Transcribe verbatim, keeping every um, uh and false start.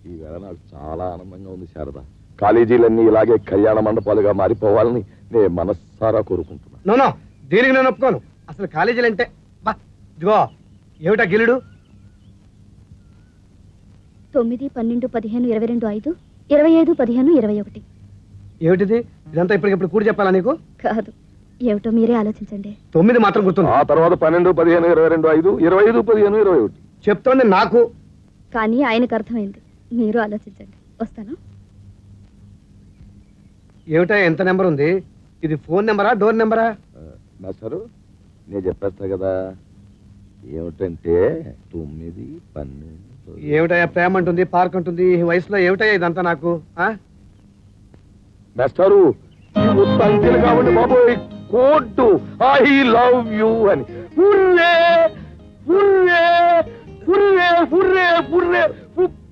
ఈవేళ నాకు చాలా ఆనందంగా ఉంది శారద. కాలేజీలన్నీ ఇలాగే కళ్యాణ మండపాలుగా మారిపోవాలని నేను మనస్సారా కోరుకుంటున్నా. నో దీనికి నేను ఒప్పుకోను. అసలు కాలేజీలు అంటే బా ఇదిగో ఏమిటా గిలుడు? తొమ్మిది పన్నెండు పదిహేను ఇరవై రెండు ఐదు ఇరవై ఐదు పదిహేను ఇరవై ఒకటి. ఏమిటిది? ఇదంతా ఇప్పటికిప్పుడు కూడి చెప్పాలా నీకు? కాదు, ఏమిటో మీరే ఆలోచించండి. తొమ్మిది మాత్రం గుర్తుంది. ఆ తర్వాత పన్నెండు పదిహేను ఇరవై రెండు ఐదు ఇరవై ఐదు పదిహేను ఇరవై ఒకటి చెప్తోంది నాకు. కానీ ఆయనకు అర్థమైంది. మీరు ఆలోచించండి. వస్తాను. ఏమిటా ఎంత నెంబర్ ఉంది? ఇది ఫోన్ నెంబరా డోర్ నెంబరా? మాస్టారు నేను చెప్పేస్తా కదా. ఏమిటంటే తొమ్మిది పన్నెండు. ఏమిటయ్యా ప్రేమ అంటుంది, పార్క్ అంటుంది. ఈ వయసులో ఏమిటయ్యా ఇదంతా నాకు? మాస్టారు ఈ సంఖ్యలు కాబట్టి బాబోయ్ కోట్టు ఐ లవ్ యూ అని. Hurray hurray hurray hurray hurray